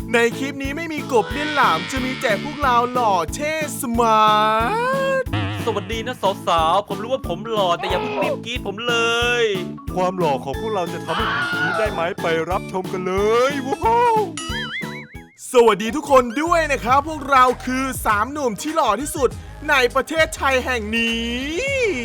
ในคลิปนี้ไม่มีกบเล่นหลามจะมีแต่พวกเราหล่อเท่สมาร์ทสวัสดีนะสาวๆผมรู้ว่าผมหล่อแต่อย่าเพิ่งรีบกรี๊ดผมเลยความหล่อของพวกเราจะทำให้ผีนี้ได้ไหมไปรับชมกันเลยว้าวสวัสดีทุกคนด้วยนะครับพวกเราคือ3หนุ่มที่หล่อที่สุดในประเทศไทยแห่งนี้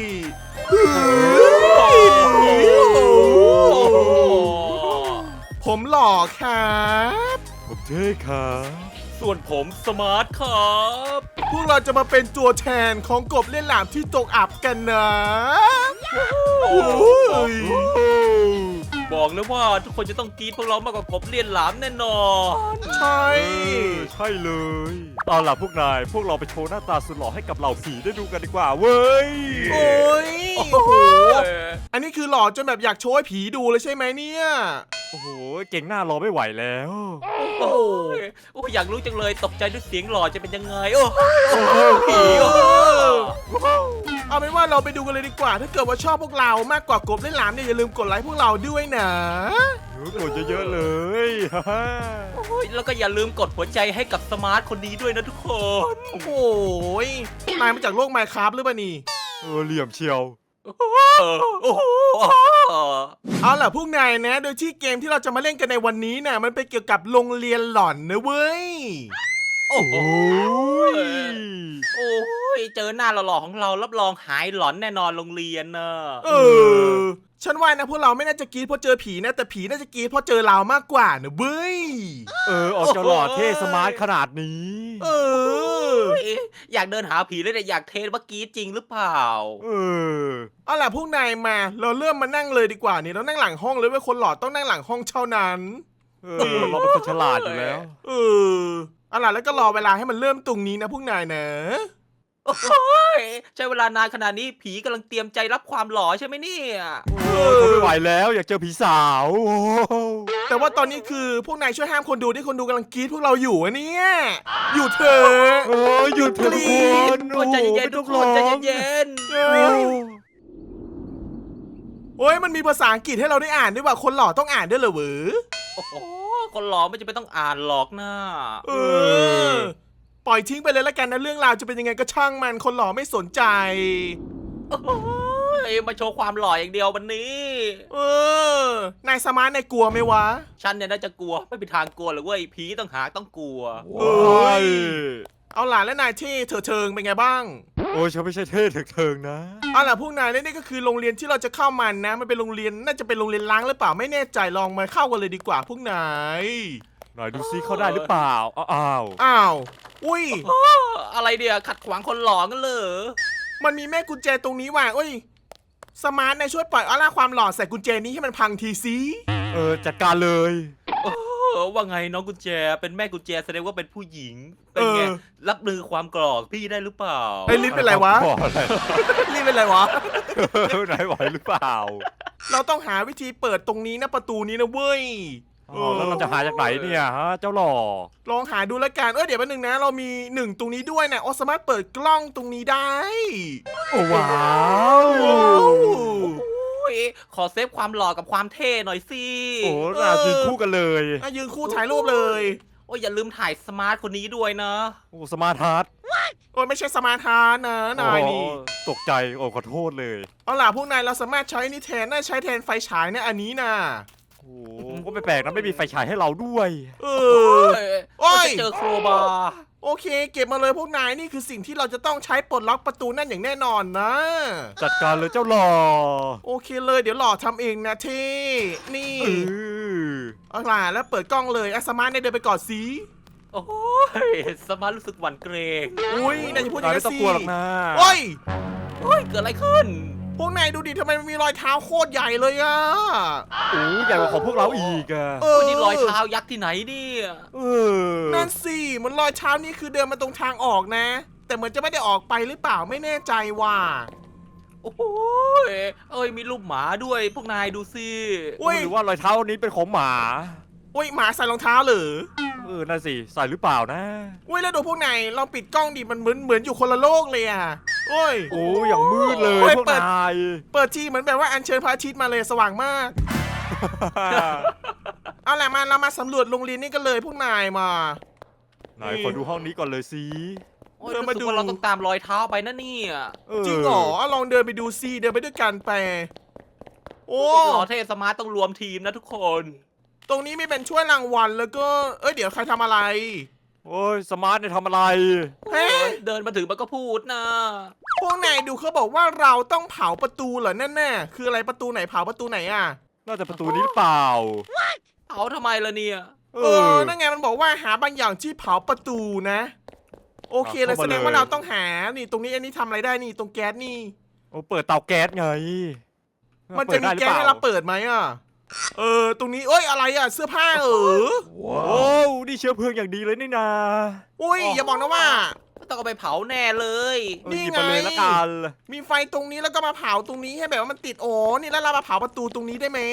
ผมหล่อครับผมเท่ครับส่วนผมสมาร์ทครับพวกเราจะมาเป็นตัวแทนของกบเล่นหลามที่ตกอับกันนะบอกเลยว่าทุกคนจะต้องกรี๊ดพวกเรามากกว่ากบเลียนหลามแน่นอนใช่ใช่เลยเอาล่ะพวกนายพวกเราไปโชว์หน้าตาสุดหล่อให้กับเหล่าผีได้ดูกันดีกว่าเว้ยโอ้ยอันนี้คือหล่อจนแบบอยากโชว์ให้ผีดูเลยใช่ไหมเนี่ยโอ้โหเก่งหน้ารอไม่ไหวแล้วโอ้อยากรู้จังเลยตกใจด้วยเสียงหล่อจะเป็นยังไงโอ้ผีเอาเป็นว่าเราไปดูกันเลยดีกว่าถ้าเกิดว่าชอบพวกเรามากกว่ากบเล่นหลามเนี่ยอย่าลืมกดไลค์พวกเราด้วยนะกดเยอะๆเลยแล้วก็อย่าลืมกดหัวใจให้กับสมาร์ทคนนี้ด้วยนะทุกคนโอ้โหนายมาจากโลกไมน์คราฟหรือเปล่านี่เหลี่ยมเชียวเอาล่ะพวกนายนะโดยที่เกมที่เราจะมาเล่นกันในวันนี้เนี่ยมันเป็นเกี่ยวกับโรงเรียนหลอนนะเว้ยโอ้ยเจอหน้าหล่อๆของเรารับรองหายหลอนแน่นอนโรงเรียนนะฉันว่านะพวกเราไม่น่าจะกรี๊ดเพราะเจอผีนะแต่ผีน่าจะกรี๊ดเพราะเจอเรามากกว่านะเว้ยออกจะหล่อเท่สมาร์ทขนาดนี้อยากเดินหาผีเลยแต่อยากเทสว่ากรี๊ดจริงหรือเปล่าเอาล่ะพวกนายมาเราเริ่มมานั่งเลยดีกว่านี่เรานั่งหลังห้องเลยว่าคนหล่อต้องนั่งหลังห้องเท่านั้นเราเป็นคนฉลาดอยู่แล้วเอาล่ะแล้วก็รอเวลาให้มันเริ่มตรงนี้นะพวกนายนะใช้เวลานานขนาดนี้ผีกำลังเตรียมใจรับความหล่อใช่ไหมเนี่ยทนไม่ไหวแล้วอยากเจอผีสาวแต่ว่าตอนนี้คือพวกนายช่วยห้ามคนดูที่คนดูกำลังกรี๊ดพวกเราอยู่อะเนี่ยหยุดเถอะหยุดเถอะทุกคนใจเย็นๆทุกคนใจเย็นโอ้ยมันมีภาษาอังกฤษให้เราได้อ่านด้วยว่าคนหล่อต้องอ่านด้วยเหรอเวอคนหล่อไม่จำเป็นต้องอ่านหรอกนะปล่อยทิ้งไปเลยละกันนะเรื่องราวจะเป็นยังไงก็ช่างมันคนหล่อไม่สนใจมาโชว์ความหล่ออย่างเดียววันนี้นายสมาร์ทนายกลัวไหมวะฉันเนี่ยน่าจะกลัวไม่มีทางกลัวหรอกเว้ยผีต้องหาต้องกลัวเอาล่ะแล้วนายที่เถิงเป็นไงบ้างโอ้ฉันไม่ใช่เท่เถิงนะเอาล่ะพวกนายนี่ก็คือโรงเรียนที่เราจะเข้ามันนะมันเป็นโรงเรียนน่าจะเป็นโรงเรียนล้างหรือเปล่าไม่แน่ใจลองมาเข้ากันเลยดีกว่าพวกนายหน่อยดูซิเข้าได้หรือเปล่าอ้าวอุ้ยอะไรเดี๋ยวขัดขวางคนหล่อกันเลยมันมีแม่กุญแจตรงนี้ว่ะอุ้ยสมาร์ทนายช่วยปล่อยออร่าความหล่อใส่กุญแจนี้ให้มันพังทีซิจัดการเลยว่าไงน้องกุญแจเป็นแม่กุญแจแสดงว่าเป็นผู้หญิงเป็นไงรับมือความกรอกพี่ได้หรือเปล่าลิ้นเป็นไรวะลิ้นเป็นไรวะไหนไหวหรือเปล่าเราต้องหาวิธีเปิดตรงนี้นะประตูนี้นะเว้ยแล้วเราจะหาจากไหนเนี่ยฮะเจ้าหล่อลองหาดูแล้วกันเดี๋ยวแป๊บนึงนะเรามี1ตรงนี้ด้วยนะสามารถเปิดกล้องตรงนี้ได้ว้าวขอเซฟความหล่อกับความเท่หน่อยสิน่ายืนคู่กันเลยยืนคู่ถ่ายรูปเลยอย่าลืมถ่ายสมาร์ทคนนี้ด้วยนะสมาร์ทฮาร์ดไม่ใช่สมาร์ทฮาร์ดนะนายนี่ตกใจขอโทษเลยเอาล่ะพวกนายเราสามารถใช้นี่แทนใช้แทนไฟฉายนะอันนี้นะก็ไม่แปลกนะไม่มีไฟฉายให้เราด้วยจะเจอโครบาร์โอเคเก็บมาเลยพวกนายนี่คือสิ่งที่เราจะต้องใช้ปลดล็อกประตูนั่นอย่างแน่นอนนะจัดการเลยเจ้าหล่อโอเคเลยเดี๋ยวหล่อทำเองนะที่นี่เอาล่ะแล้วเปิดกล้องเลยสมาร์ทเดินไปก่อนสิโอ้ยสมาร์ทรู้สึกหวั่นเกรงอุ้ยนายจะพูดอย่างนี้สิไม่ต้องกลัวหรอกนะโอ้ยเกิดอะไรขึ้นพวกนายดูดิทำไมมันมีรอยเท้าโคตรใหญ่เลยอะใหญ่กว่าของพวกเราอีกอะนี่รอยเท้ายักษ์ที่ไหนเนี่ยนั่นสิมันรอยเท้านี่คือเดินมาตรงทางออกนะแต่เหมือนจะไม่ได้ออกไปหรือเปล่าไม่แน่ใจว่ะโอ้ยมีรูปหมาด้วยพวกนายดูสิหรือว่ารอยเท้านี้เป็นของหมาหมาใส่รองเท้าเหรอนั่นสิใส่หรือเปล่านะแล้วดูพวกนายเราปิดกล้องดิมันเหมือนอยู่คนละโลกเลยอะอย่างมืดเลยพวกนายเปิดทีเหมือนแบบว่าอัญเชิญพระอาทิตย์มาเลยสว่างมากเอาแหละมาเรามาสำรวจโรงเรียนนี่กันเลยพวกนายมานายขอดูห้องนี้ก่อนเลยสิโอ้ยเดินรู้มาสึดูกว่าเราต้องตามรอยเท้าไปนะเนี่ยจริงเหรอลองเดินไปดูซิเดินไปด้วยกันไปโอ้หล่อเท่สมาร์ตต้องรวมทีมนะทุกคนตรงนี้มีเป็นช่วยรางวัลแล้วก็เดี๋ยวใครทำอะไรโอ้ยสมาร์ทเนี่ยทำอะไรเฮ้เดินมาถึงมันก็พูดนะพวกนายดูเขาบอกว่าเราต้องเผาประตูเหรอนั่นแน่คืออะไรประตูไหนเผาประตูไหนอ่ะน่าจะประตูนี้หรือเปล่าเอาทำไมล่ะเนี่ยนั่นไงมันบอกว่าหาบางอย่างที่เผาประตูนะ โอเคเลยเข้ามาแสดงว่าเลยเราต้องหานี่ตรงนี้อันนี้ทำอะไรได้นี่ตรงแก๊สนี่โอ้เปิดเตาแก๊สไงมันจะมีแก๊สให้เราเปิดเปิดไหมอ่ะตรงนี้อะไรอ่ะเสื้อผ้าได้หรือเปล่าโอ้นี่เชื้อเพลิงอย่างดีเลยนี่นาอุ้ยอย่าบอกนะว่าต้องเอาไปเผาแน่เลยนี่หยิบไงไปเลยละกันมีไฟตรงนี้แล้วก็มาเผาตรงนี้ให้แบบว่ามันติดโอ้นี่แล้วเรามาเผาประตูตรงนี้ได้ไหม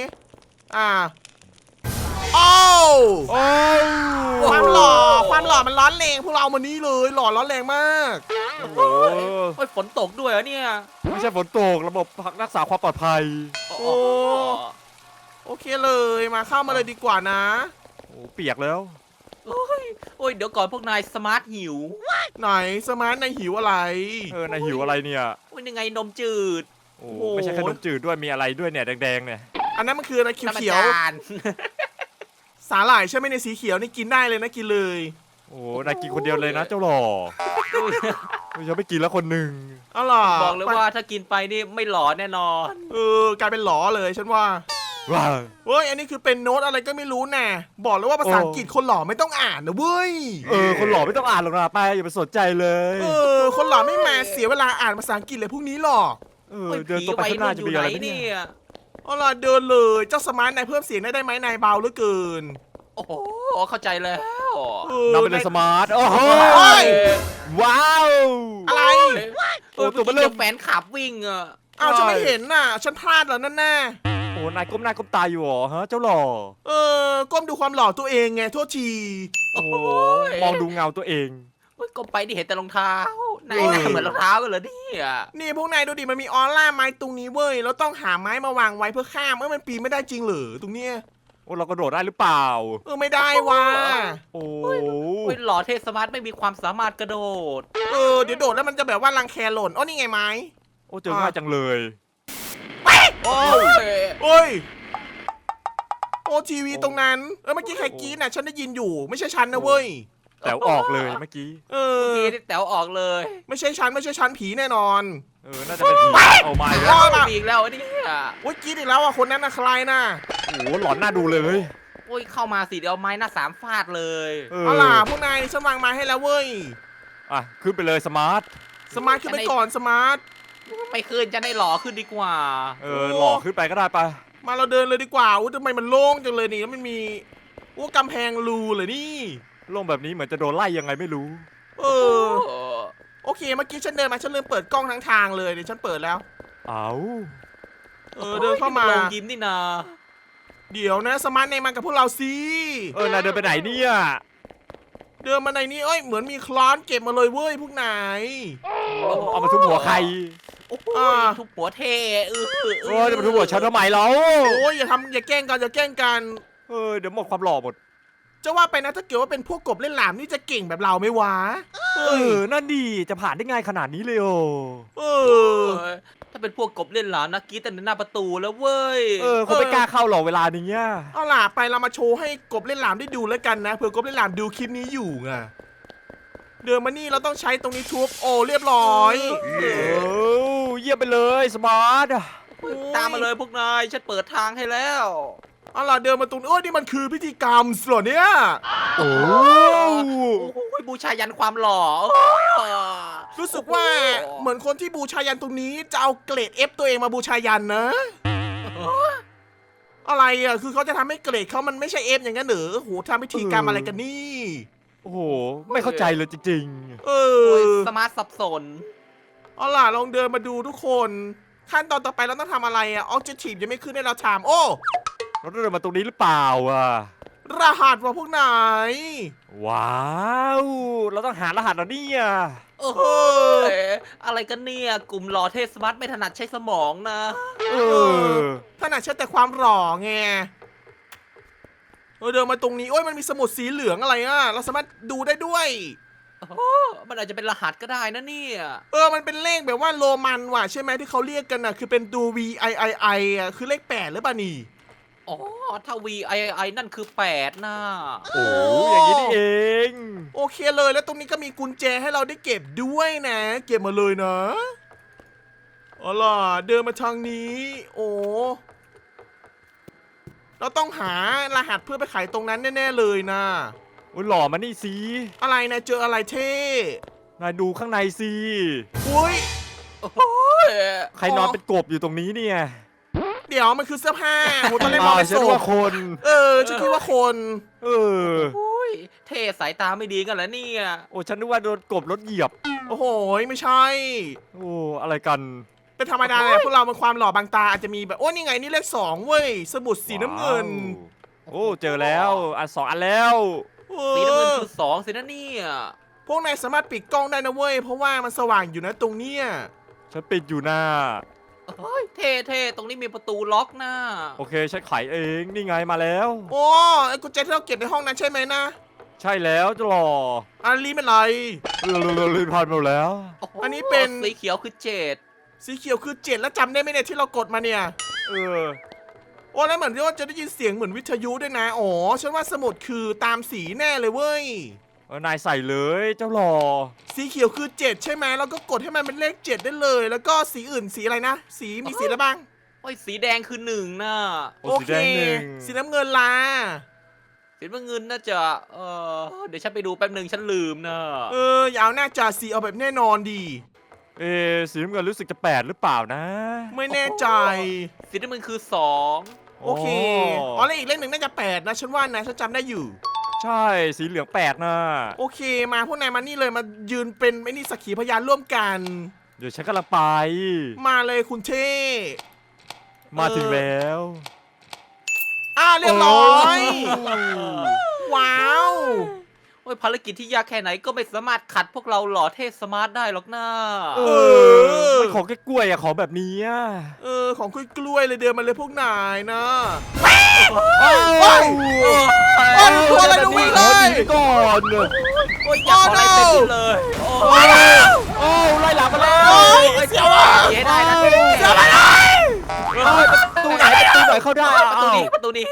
โอ้โอ้ความหล่อมันร้อนแรงพวกเราเอามานี้เลยหล่อร้อนแรงมากโอ้โหโอ้ยฝนตกด้วยเหรอเนี่ยไม่ใช่ฝนตกระบบรักษาความปลอดภัยโอ้ โอเคเลยมาเข้ามาเลยดีกว่านะโอ้เปียกแล้วโอ้ยเดี๋ยวก่อนพวกนายสมาร์ทหิวไหนสมาร์ทในหิวอะไรนายหิวอะไรเนี่ยโอ้ยยังไงนมจืดโอ้โอ้โหไม่ใช่ขนมจืดด้วยมีอะไรด้วยเนี่ยแดงๆเนี่ยอันนั้นมันคืออะไรเขียวน้ำมันจานๆสาหร่ายใช่ไหมในสีเขียวนี่กินได้เลยนะกินเลยโอ้นายกินคนเดียวเลยนะเจ้าหล่อฉันไม่กินแล้วคนหนึ่งเอาล่ะบอกเลยว่าถ้ากินไปนี่ไม่หลอนแน่นอนกลายเป็นหลอเลยฉันว่าว้าวเว้ยอันนี้คือเป็นโน้ตอะไรก็ไม่รู้แน่บอกเลยว่าภาษาอังกฤษคนหล่อไม่ต้องอ่านนะเว้ยคนหล่อไม่ต้องอ่านหรอกนะไปอย่าไปสนใจเลยคนหล่อไม่มาเสียเวลาอ่านภาษาอังกฤษเลยพวกนี้หรอกเดินตรงไปข้างหน้าจะมีอะไรไหมผีวัยรุ่นอยู่ไหนเนี่เนี่ย ยเอาล่ะเดินเลยเจ้าสมาร์ทนายเพิ่มเสียงได้ไหมนายเบาเหลือเกินโอ้โหเข้าใจแล้วนำไปเลยสมาร์ทโอ้โหโอ้ยว้าวอะไรเออตัวเบเมื่อลอกี้แฟนขับวิ่งอ่ะอ้าวฉันไม่เห็นน่ะฉันพลาดแล้วนั่นแน่โอ้นายก้มหน้าก้มตาอยู่เหรอฮะเจ้าหล่อก้มดูความหล่อตัวเองไงโทษทีโอ้โหมองดูเงาตัวเองเฮ้ยก็ไปที่เห็นแต่รองเท้านายหน้าเหมือนรองเท้ากันเหรอเนี่ยนี่พวกนายดูดิมันมีออร่าไม้ตรงนี้เว้ยแล้วต้องหาไม้มาวางไว้เพื่อข้ามมันปีนไม่ได้จริงเหรอตรงเนี้ยโอ้เรากระโดดได้หรือเปล่าไม่ได้ว่ะโอ้เฮ้ยหล่อเทสมาร์ทไม่มีความสามารถกระโดดเดี๋ยวโดดแล้วมันจะแบบว่ารังแคหล่นนี่ไงไม้โอ้เจอง่ายจังเลยโอ้ยโอ้ยโอ้ทีวีตรงนั้นเมื่อกี้ใครกรี๊ดน่ะฉันได้ยินอยู่ไม่ใช่ฉันนะเว้ยแต่ออกเลยเมื่อกี้เมื่อกี้ที่แต๋วออกเลยไม่ใช่ฉันผีแน่นอนน่าจะเป็นผีเอามาอีกรแล้วอดอ่ะมีอีกแล้วอันนี้โอ้ยกรี๊ดอีกแล้วอ่ะคนนั้นน่ะใครน่ะโอ้หลอนหน้าดูเลยโอ้ยเข้ามาสิเดี๋ยวเอาไม้หน้าสามฟาดเลยเอาล่ะพวกนายฉันวางไม้ให้แล้วเว้ยอ่ะขึ้นไปเลยสมาร์ทสมาร์ทขึ้นไปก่อนสมาร์ทไม่ขึ้นจะได้หล่อขึ้นดีกว่าหล่อขึ้นไปก็ได้ปะมาเราเดินเลยดีกว่าทำไมมันโล่งจังเลยนี่แล้วมันมีกำแพงรูเลยนี่โล่งแบบนี้เหมือนจะโดนไล่ยังไงไม่รู้โอเคเมื่อกี้ฉันเดินมาฉันลืมเปิดกล้องทั้งทางเลยเดี๋ยวฉันเปิดแล้วเอาเดินเข้ามาลงยิ้มนี่นาเดี๋ยวนะสมาร์ทเนยมากับพวกเราสินายเดินไปไหนเนี่ยเดินมาในนี้เหมือนมีคลอนเก็บมาเลยเว้ยพวกนายเอามาทุบหัวใครโอ้โหทุบหัวเทจะมาทุบหัวฉันทำไมเราโอ้ยอย่าแกล้งกันเดี๋ยวหมดความหล่อหมดจะว่าไปนะถ้าเกิดว่าเป็นพวกกบเล่นหลามนี่จะเก่งแบบเราไหมวะนั่นดีจะผ่านได้ง่ายขนาดนี้เลยถ้าเป็นพวกกบเล่นหลามนะกรี๊ดแต่หน้าประตูแล้วเว้ยคงไม่กล้าเข้าหรอกเวลานี้เอาล่ะไปเรามาโชว์ให้กบเล่นหลามได้ดูแล้วกันนะเผื่อกบเล่นหลามดูคลิปนี้อยู่ไงเดินมานี่เราต้องใช้ตรงนี้ทุบเรียบร้อยเยี่ยมไปเลยสมาร์ทตามมาเลยพวกนายฉันเปิดทางให้แล้วเอาล่ะเดินมาตรงนี้นี่มันคือพิธีกรรมเหรอเนี่ยโอ้โอ้ยบูชายันความหล่อรู้สึกว่าเหมือนคนที่บูชายันตรงนี้จะเอาเกรด F ตัวเองมาบูชายันนะ อะไรอ่ะคือเขาจะทำให้เกรดเขามันไม่ใช่ F อย่างนั้นเหรอโหทำพิธีกรรมอะไรกันนี่โอ้โหไม่เข้าใจเลยจริงสมาร์ทสับสนเอาล่ะลองเดินมาดูทุกคน ขั้นตอนต่อไปเราต้องทำอะไรอ่ะ Objective ยังไม่ขึ้นให้เราทำเราเดินมาตรงนี้หรือเปล่ารหัสว่าพวกไหนว้าวเราต้องหารหัสแล้วเนี่ยอะไรกันเนี่ยกลุ่มหล่อเทสมาร์ทไม่ถนัดใช้สมองนะถนัดใช้แต่ความหล่อไงเดินมาตรงนี้โอ้ยมันมีสมุดสีเหลืองอะไรอ่ะเราสามารถดูได้ด้วยโอ้มันอาจจะเป็นรหัสก็ได้นะเนี่ยมันเป็นเลขแบบว่าโรมันว่ะใช่ไหมที่เขาเรียกกันน่ะคือเป็นตัว VIII อ่ะคือเลข8หรือเปล่านี่อ๋อถ้า VII นั่นคือ8น่ะโอ้อย่างนี้นี่เองโอเคเลยแล้วตรงนี้ก็มีกุญแจให้เราได้เก็บด้วยนะ เก็บมาเลยนะเอาล่ะเดินมาทางนี้ โอ้เราต้องหารหัสเพื่อไปไขตรงนั้นแน่ๆเลยนะโอ้ยหล่อมานี่สิอะไรนะเจออะไรเท่นายดูข้างในสิอุ้ยโอ้ยใครนอนเป็นกบอยู่ตรงนี้เนี่ยเดี๋ยวมันคือเสื้อผ้าโหตอนแรกมองเป็นฉันศว่าพคนฉันคิดว่าคนเออโอ้ยเท่สายตาไม่ดีกันแล้วเนี่ยโอ้ฉันนึกว่าโดนกบรถเหยียบโอ้โหไม่ใช่โอ้อะไรกันเป็นธรรมดาแหละพวกเรามันความหล่อบางตาอาจจะมีแบบโอ้นี่ไงนี่เลข2เว้ยสมุดสีน้ำเงินว้าวโอ้เจอแล้วอัน2อันแล้วสีน้ำเงินคือ2สินะเนี่ยพวกนายสามารถปิดกล้องได้นะเว้ยเพราะว่ามันสว่างอยู่นะตรงเนี้ยฉันปิดอยู่หน้าเฮ้ยเท่ตรงนี้มีประตูล็อกนะโอเคฉันไขเองนี่ไงมาแล้วโอ้ไอ้กุญแจที่เราเก็บในห้องนั้นใช่ไหมนะใช่แล้วจะหล่ออันนี้เป็นไรลื่นผ่านหมดแล้วโโหอันนี้เป็นสีเขียวคือ7 สีเขียวคือ7แล้วจำได้ไหมเนี่ยที่เรากดมาเนี่ยเออโอ้แล้วเหมือนที่ว่าจะได้ยินเสียงเหมือนวิทยุด้วยนะอ๋อฉันว่าสมุดคือตามสีแน่เลยเว้ยนายใส่เลยเจ้าหล่อสีเขียวคือ7ใช่ไหมแล้วก็กดให้มันเป็นเลข7ได้เลย แล้วก็สีอื่นสีอะไรนะสีมีสีอะไรบ้างโอ้ยสีแดงคือ1น่ะโอ้สีแดงหนึ่งสีน้ำเงินลาสีน้ำเงินน่าจะเดี๋ยวฉันไปดูแป๊บหนึ่งฉันลืมนะอย่าเอาหน้าจ่าสีเอาแบบแน่นอนดีสีน้ำเงินรู้สึกจะ8หรือเปล่านะไม่แน่ใจสีน้ำเงินคือ2 โอเคอ๋อแล้วอีกเลขหนึ่งน่าจะ8นะฉันว่านะฉันจำได้อยู่ใช่สีเหลือง8นะโอเคมาพวกนายมานี่เลยมายืนเป็นไอ้นี่สักขีพยานร่วมกันเดี๋ยวฉันกำลังไปมาเลยคุณเท่มาถึงแล้วเรียบร้อย ว้าวโอ้ยภารกิจที่ยากแค่ไหนก็ไม่สามารถขัดพวกเราหล่อเท่สมาร์ทได้หรอกนะมันของแค่กล้วยอะของแบบนี้อะของกล้วยๆเลยเดินมาเลยพวกนายนะโอ้โอ้ย ตัวอะไรดูวิ่งเลยก่อนโอ้ยอยากขออะไรเต็มที่เลยโอ้ว้ายวโอ้ไล่หลังมาแล้วโอ้ยเสียวอ่ะเสียได้นะเท่เสียวไปเลยประตูไหนเข้าได้ประตูนี้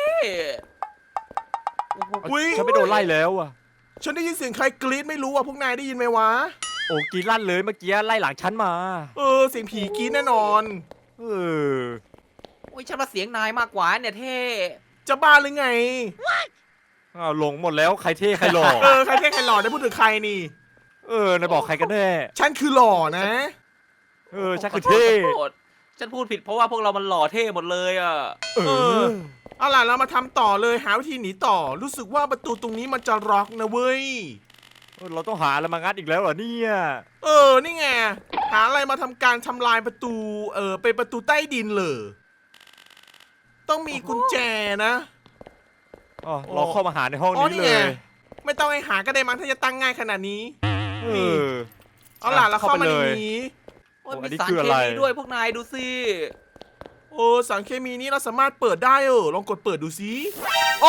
อุ๊ยฉันไม่โดนไล่แล้วอะฉันได้ยินเสียงใครกรี๊ดไม่รู้อ่ะพวกนายได้ยินไหมวะโอ้กรีดลั่นเลยเมื่อกี้ไล่หลังฉันมาเสียงผีกรี๊ดแน่นอนเออโอ้ยฉันว่าเสียงนายมากกว่าเนี่ยเท่จะบ้าหรือไงหลงหมดแล้วใครเท่ใครหล่อใครแค่ใครหล่อได้พูดถึงใครนี่นายบอกใครกันแน่ฉันคือหล่อนะฉันคือเท่ขอโทษฉันพูดผิดเพราะว่าพวกเรามันหล่อเท่หมดเลยอ่ะเอาล่ะเรามาทำต่อเลยหาวิธีหนีต่อ รู้สึกว่าประตูตรงนี้มันจะล็อกนะเว้ยเราต้องหาอะไรมางัดอีกแล้วเหรอเนี่ยนี่ไงหาอะไรมาทำการทำลายประตูเป็นประตูใต้ดินเลยต้องมีกุญแจนะเราเข้ามาหาในห้องนี้เลยไม่ต้องให้หาก็ได้มั้งถ้าจะตั้งง่ายขนาดนี้ เอาล่ะเราเข้าเข้าไปมาเลในยนี้โอ้ยโอ้มีอันนี้สารคือเคอะไรมีด้วยพวกนายดูสิสารเคมีนี้เราสามารถเปิดได้ลองกดเปิดดูสิโอ้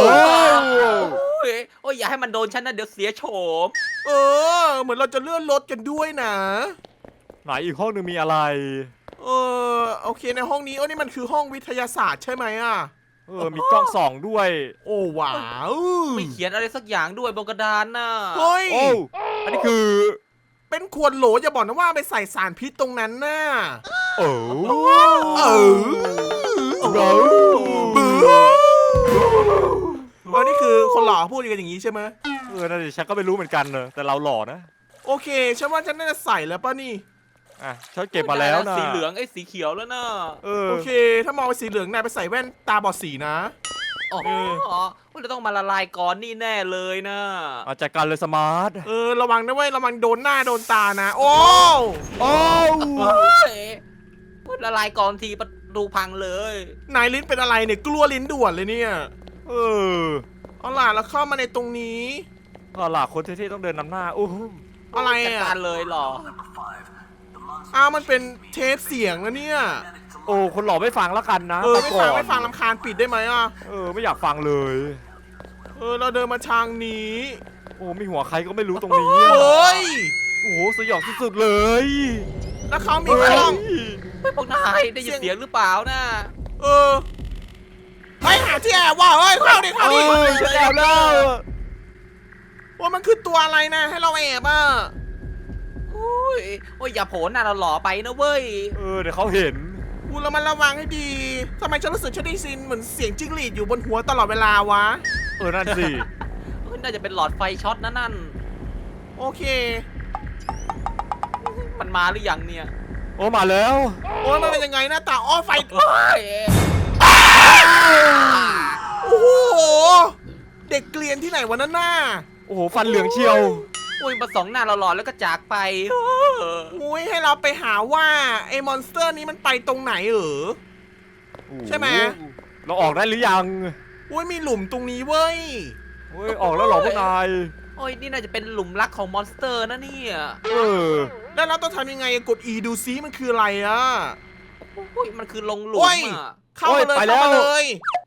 โอ้ยอย่าให้มันโดนฉันนะเดี๋ยวเสียโฉมเหมือนเราจะเลื่อนรถกันด้วยนะไหนอีกห้องหนึงมีอะไรโอเคในห้องนี้นี่มันคือห้องวิทยาศาสตร์ใช่ไหมอ่ะมีกล้องส่องด้วยโอ้ว้าวไม่เขียนอะไรสักอย่างด้วยบนกระดานน่ะเฮ้ยโอ้อันนี้คือเป็นขวดโหลอย่าบอกนะว่าไปใส่สารพิษตรงนั้นน่ะโอ้นี่คือคนหล่อพูดกันอย่างนี้ใช่ไหมนั่นดิฉันก็ไม่รู้เหมือนกันเนอะแต่เราหล่อนะโอเคฉันว่าฉันน่าจะใส่แล้วป่ะนี่ฉันเก็บมาแล้วนะสีเหลืองไอ้สีเขียวแล้วนะโอเค ถ้ามองไปสีเหลืองนายไปใส่แว่นตาบอดสีนะอ๋อเราต้องมาละลายก่อนนี่แน่เลยนะเอาจัดการเลยสมาร์ทระวังนะเว้ยระวังโดนหน้าโดนตานะ โอ้โอ้ละลายก่อนทีประตูพังเลยนายลิ้นเป็นอะไรเนี่ยกลัวลิ้นด่วนเลยเนี่ย เอาล่ะแล้วเข้ามาในตรงนี้เอาล่ะคนเท่ๆต้องเดินนำหน้าโอ้อะไรจัดอ่ะการเลยเหรอมันเป็นเทปเสียงนะเนี่ยคนหล่อไม่ฟังแล้วกันนะไม่ฟังรำคาญปิดได้ไหมอ่ะไม่อยากฟังเลยเราเดินมาทางนี้โอ้มีหัวใครก็ไม่รู้ตรงนี้เฮ้ยโอ้โหสยองสุดๆเลยแล้วเขามีกล้องไม่พวกนายได้ยินเสียงหรือเปล่านะเฮ้ยหาที่แอบว่ะเฮ้ยเข้าดิเฮ้ยฉันแอบแล้วว่ามันคือตัวอะไรนะให้เราแอบอ่ะโอ้ยอย่าโผล่หน้าเราหล่อไปนะเว้ยเดี๋ยวเขาเห็นแล้วมันระวังให้ดีทำไมฉันรู้สึกฉันได้ยินเหมือนเสียงจิ้งหรีดอยู่บนหัวตลอดเวลาวะนั่นสิน่าจะเป็นหลอดไฟช็อตนั่นโอเคมันมาหรือยังเนี่ยโอ้มาแล้วโอ้ยมันเป็นยังไงหน้าตาอ้อไฟโอ้ยโอ้โหเด็กเกลียนที่ไหนวะนั่นน่ะโอ้โหฟันเหลืองเชียวโอ้ยมาส่องหน้าเราหล่อแล้วก็จากไปมุ้ยให้เราไปหาว่าไอ้มอนสเตอร์นี้มันไปตรงไหนใช่ไหมเราออกได้หรือยังอุ้ยมีหลุมตรงนี้เว้ยเฮ้ยออกแล้วเหรอพวกนายโอ้ยนี่น่าจะเป็นหลุมรักของมอนสเตอร์นะเนี่ยแล้วเราต้องทำยังไงกด E ดูซิมันคืออะไรอ่ะโอ้ยมันคือลงหลุมโอ้ยอ่ะเข้ามาเลยไปแล้เข้าว มาเลย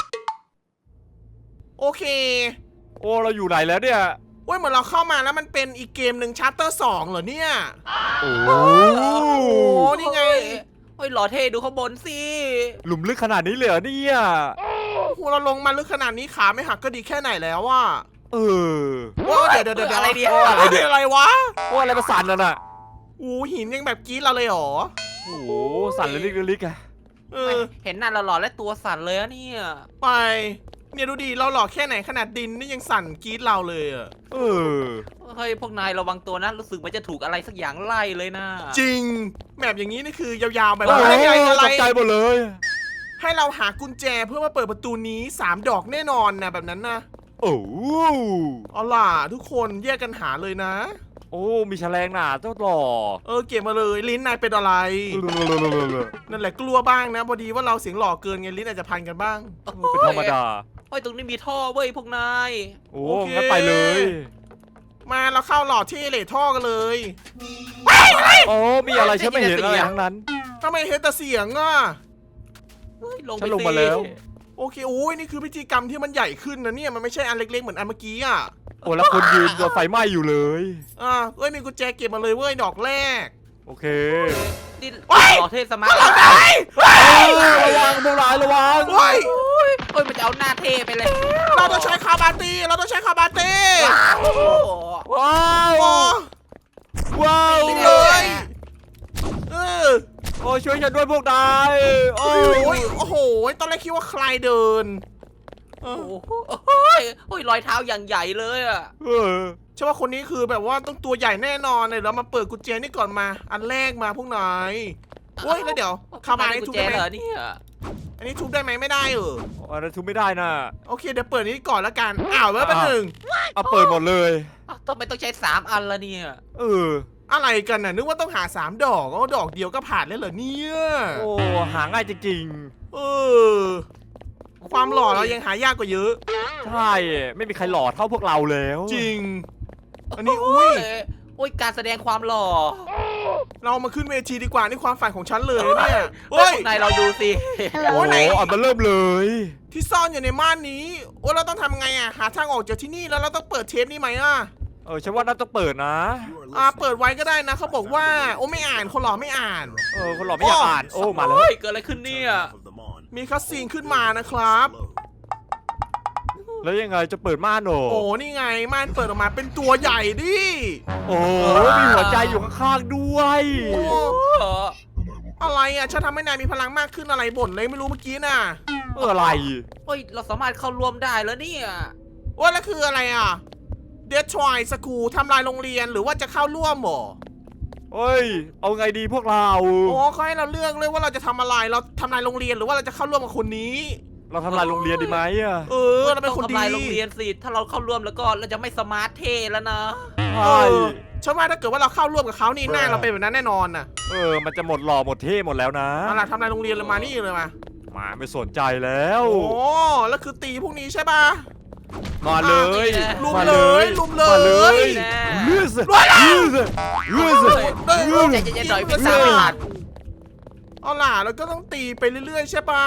โอเคโอ้เราอยู่ไหนแล้วเนี่ยโอ้ยเหมือนเราเข้ามาแล้วมันเป็นอีกเกมหนึ่งชาร์เตอร์2เหรอเนี่ยโอ้โอ้นี่ไงโอ้ยหล่อเท่ดูข้างบนสิหลุมลึกขนาดนี้เลยเหรอเนี่ยโอ้โหเราลงมาลึกขนาดนี้ขาไม่หักก็ดีแค่ไหนแล้วอ่ะเโอ้เดี๋ยวอะไรเนี่ยอะไรวะว่าอะไรมาสั่นน่ะอู้หินยังแบบกรี๊ดเราเลยเหรอโอ้โหสั่นเลยลิกๆอะเห็นหน้าเราหล่อและตัวสั่นเลยอะเนี่ยไปเนี่ยดูดิเราหลอกแค่ไหนขนาดดินนี่ยังสั่นกรี๊ดเราเลยอ่ะเฮ้ยพวกนายระวังตัวนะรู้สึกมันจะถูกอะไรสักอย่างไล่เลยนะจริงแบบอย่างนี้นี่คือยาวๆแบบโอ้ว่าอะไรตกใจหมดเลยให้เราหากุญแจเพื่อมาเปิดประตูนี้3 ดอกแน่นอนนะแบบนั้นนะโอ้เอาล่ะทุกคนแยกกันหาเลยนะโอ้มีแฉลงหนาเจ้าหล่อเก็บมาเลยลิ้นนายเป็นอะไร นั่นแหละกลัวบ้างนะพอดีว่าเราเสียงหล่อเกินไงลิ้นอาจจะพันกันบ้างเป็นธรรมดาโอ้ยตรงนี้มีท่อเว้ยพวกนายโอ้โอเคงั้นไปเลยมาเราเข้าหล่อที่เหล่ท่อกันเลยโอ้มีอะไรฉันไม่เห็นอะไรทั้งนั้นทำไมเห็นแต่เสียงอ่ะเฮ้ยลงฉัไปนลงมาแล้วโอเคโอ้ยนี่คือพิธีกรรมที่มันใหญ่ขึ้นนะเนี่ยมันไม่ใช่อันเล็กๆเหมือนอันเมื่อกี้อ่ะโอ้แล้วคนยืนโดนไฟไหม้อยู่เลยมีกุญแจเก็บมาเลยเว้ยดอกแรกโอเคนี่โอ้ยหล่อเท่สมาร์ทระวังพวกนายระวังเฮ้ยโอ้ยมันจะเอาหน้าเท่ไปเลยเราต้องใช้คาบาตีเราต้องใช้คาบาตีโอ้โหว้าวโอ้ว้าวตีเลยอโอ้ช่วยฉันด้วยพวกนายโอ้ยโอ้โหตอนแรกคิดว่าใครเดินโอ้โหโอ้ยรอยเท้าอย่างใหญ่เลยอะใช่ว่าคนนี้คือแบบว่าต้องตัวใหญ่แน่นอนเลยเรามาเปิดกุญแจนี่ก่อนมาอันแรกมาพวกนายโอ้ยแล้วเดี๋ยวคาบานี่กุทุญบแจได้ไหมเหรอเนี่ยอันนี้ทุบได้ไหมไม่ได้อันนั้นทุบไม่ได้นะโอเคเดี๋ยวเปิดนี้ก่อนละกันแล้วเป็นหนึ่งเอาเปิดหมดเลยทำไมต้องใช้3 อันละเนี่ยอะไรกันน่ะนึกว่าต้องหา3 ดอกดอกเดียวก็ผ่านแล้วเหรอเนี่ยโอ้หาง่ายจริงความหล่อเรายังหายากกว่าเยอะๆ ใช่ไม่มีใครหล่อเท่าพวกเราแล้วจริง อันนี้อุ้ยโอ้ยการแสดงความหล่อเรามาขึ้นเวทีดีกว่านี่ความฝันของฉันเลยเนี่ยเฮ้ยพวกนายเราดูสิโอ้อันมาเริ่มเลยที่ซ่อนอยู่ในม่านนี้เราต้องทำไงหาทางออกจากที่นี่แล้วเราต้องเปิดเทปนี้ไหมฉันว่าน่าต้องเปิดนะเปิดไว้ก็ได้นะเขาบอกว่าไม่อ่านคนหล่อไม่อ่านคนหล่อไม่อยากอ่านโอ้มาแล้วเฮ้ยเกิดอะไรขึ้นเนี่ยมีคัสซีนขึ้นมานะครับแล้วยังไงจะเปิดม่านโหนนี่ไงม่านเปิดออกมาเป็นตัวใหญ่ดิโอ้มีหัวใจอยู่ข้างๆด้วยอะไรฉันทำให้นายมีพลังมากขึ้นอะไรบ่นเลยไม่รู้เมื่อกี้น่ะอะไรเฮ้ยเราสามารถเข้าร่วมได้แล้วเนี่ยแล้วคืออะไรเดททรอยสกูทำลายโรงเรียนหรือว่าจะเข้าร่วมหรอเฮ้ยเอาไงดีพวกเราเขาให้เราเลือกเลยว่าเราจะทำอะไรเราทำลายโรงเรียนหรือว่าเราจะเข้าร่วมกับคนนี้เราทำลายโรงเรียนดีไหมเราเป็นคนต้องดีทำลายโรงเรียนสิถ้าเราเข้าร่วมแล้วก็เราจะไม่สมาร์ทเท่แล้วนะใช่ฉันว่าถ้าเกิดว่าเราเข้าร่วมกับเขานี่หน้าเราเป็นแบบนั้นแน่นอนน่ะมันจะหมดหล่อหมดเท่หมดแล้วนะเอาล่ะทำลายโรงเรียนเลยมานี่เลยมาไม่สนใจแล้วแล้วคือตีพวกนี้ใช่ป่ะมาเลยลุมเลยลุมเลยเลือดเลือดเลือดใจเย็นๆหน่อยพี่สาวเอาล่ะแล้วก็ต้องตีไปเรื่อยๆใช่ป่ะ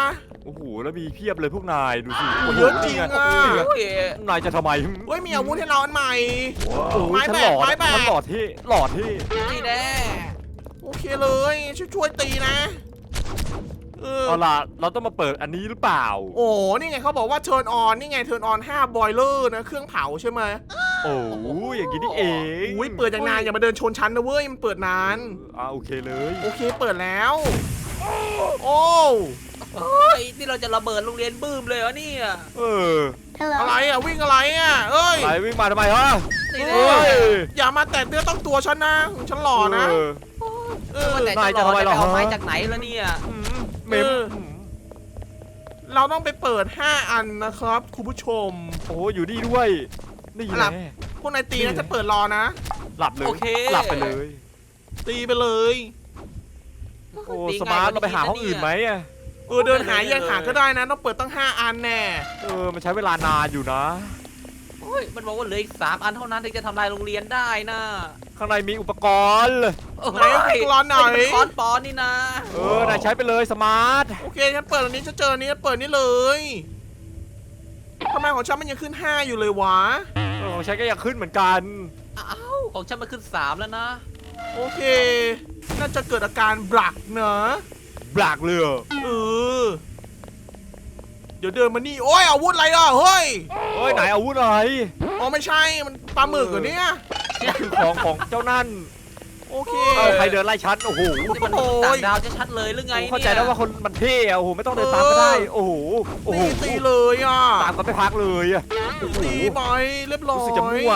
โอ้โหแล้วมีเพียบเลยพวกนายดูสิโอ้เยอะจริงอ่ะโอ้ยนายจะทำไมเฮ้ยมีอาวุธให้เราอันใหม่โอ้โหไม้ฉันแบหกล่อไม้แบกฉันหล่อที่หล่อที่นี่แน่โอเคเลยช่วยตีนะเอาล่ะเราต้องมาเปิดอันนี้หรือเปล่าโอ้นี่ไงเขาบอกว่า turn on นี่ไง turn on 5 boiler นะเครื่องเผาใช่ไหมโอ้อย่างนี้นี่เองอุ้ยเปิดอย่างนานอย่ามาเดินชนชั้นนะเว้ยมันเปิดนานโอเคเลยโอเคเปิดแล้ว โอ้เฮ้ยนี่เราจะระเบิดโรงเรียนบื้มเลยเหรอเนี่ยเอออะไรอ่ะวิ่งอะไรอ่ะเอ้ยไปวิ่งมาทำไมฮะนี่เอ้แน่ย อย่ามาแตะเนื้อต้องตัวฉันนะฉันหล่อนะ เออว่าแต่นายจะจะรอทำไมจะเหรอไปเอาไม้ฮะจากไหนแล้วเนี่ยเมมเราต้องไปเปิด 5 อันนะครับคุณผู้ชมโอ้อยู่นี่ด้วยนี่หลัแหบละพวกนายตีนะจะเปิดรอนะหลับเลยโอเคหลับไปเลยตีไปเลยโอ้สมาร์ทเราไปหาห้องอื่นไหมอะเดินหายังหาก็ได้นะ ต้องเปิดตั้ง 5 อันแน่มันใช้เวลานานอยู่นะโอ้ยมันบอกว่าเหลืออีก3 อันเท่านั้นถึงจะทำลายโรงเรียนได้นะข้างในมีอุปกรณ์ไหนร้อนหน่อยเป็นคอนปอนนี่นะนายใช้ไปเลยสมาร์ทโอเคฉันเปิดอันนี้จะเจออันนี้เปิดนี่เลยทำไมของฉันมันยังขึ้น 5 อยู่เลยวะของใช้ก็ยังขึ้นเหมือนกันอ้าวของฉันมาขึ้น3แล้วนะโอเค น่าจะเกิดอาการบลักเนอะบลักเลยเออ เดี๋ยวเดินมานี่ โอ้ยอาวุธอะไรอ่ะ เฮ้ยเฮ้ยไหนอาวุธอะไรอ๋อไม่ใช่ มันปลาหมึกเหรอเนี่ยนี่คือของเจ้านั่นโอเคใครเดินไล่ฉันโอ้โหนี่มันมนุษย์ต่างดาวชัดๆเลยหรือไงเนี่ยเข้าใจแล้วว่าคนมันเท่อะโอ้โหไม่ต้องเดินตามก็ได้โอ้โหโอ้โหตีเลยอ่ะตามกันไม่พักเลยอะโอ้โหตีไปเรียบร้อยรู้สึกจะมั่ว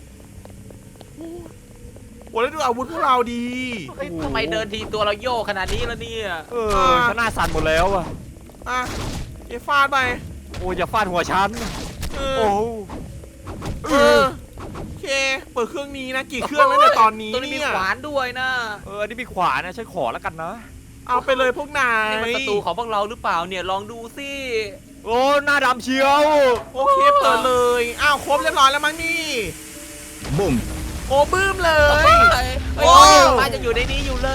โอ้แล้วดูอาวุธพวกเราดีเฮ้ยทำไมเดินทีตัวเราโยกขนาดนี้แล้วเนี่ยฉันหน้าสั่นหมดแล้วอะอ่ะเดี๋ยวฟาดไปโอ้ยอย่าฟาดหัวฉันเอโอ้อ เออ โอเค เปิดเครื่องนี้นะ กี่เครื่องแล้วในยตอนนี้ตัวนี้มีเนี่ยขวานด้วยนะอันนี้มีขวานนะฉันขอแล้วกันนะเอาไปเลยพวกนายนี่มันศัตรูของพวกเราหรือเปล่าเนี่ยลองดูสิโอ้หน้าดำเชียวโอเคเปิดเลย อ้าวครบเรียบร้อยแล้วมั้งนี่บุ้มโอ้บื้มเลยเฮ้ยโอ้มาจะอยู่ในนี้อยู่เลย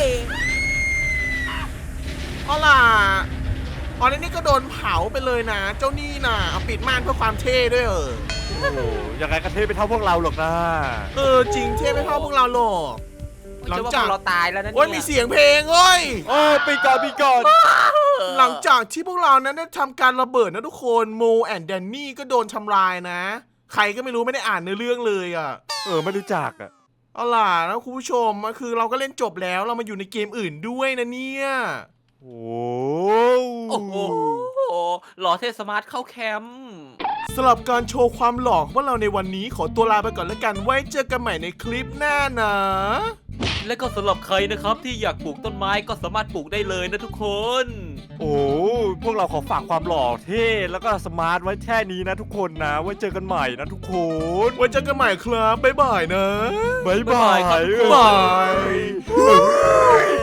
เอาล่ะอ๋อแล้วนี่ก็โดนเผาไปเลยนะ เจ้านี่น่ะเอาปิดม่านเพื่อความเท่ด้วยเออโอ้ยังไงก็เท่ไปเท่าพวกเราหรอกนะจริงเท่ไม่เท่าพวกเราหรอก หลังจากเชื่อว่าพวเราตายแล้วนะโอ้ยมีเสียงเพลงเอ้ยโอ้ปีก่อนปีก่อนหลังจากที่พวกเรานั้นได้ทำการระเบิดนะทุกคนโมแอนแดนนี่ก็โดนทำลายนะ ใครก็ไม่รู้ไม่ได้อ่านในอเรื่องเลยอ่ะไม่รู้จักอะเอาล่ะนะคุณผู้ชมคือเราก็เล่นจบแล้วเรามาอยู่ในเกมอื่นด้วยนะเนี่ยโอ้โอ้โหหล่อเทสมาร์ทเข้าแคมป์สำหรับการโชว์ความหล่อของพวกเราในวันนี้ขอตัวลาไปก่อนแล้วกันไว้เจอกันใหม่ในคลิปหน้านะและก็สำหรับใครนะครับที่อยากปลูกต้นไม้ก็สามารถปลูกได้เลยนะทุกคนโอ้พวกเราขอฝากความหล่อเท่แล้วก็สมาร์ทไว้แค่นี้นะทุกคนนะ ไว้เจอกันใหม่นะทุกคนไว้เจอกันใหม่ครับบ๊ายบายนะบ๊ายบายบ๊ายบายครับบาย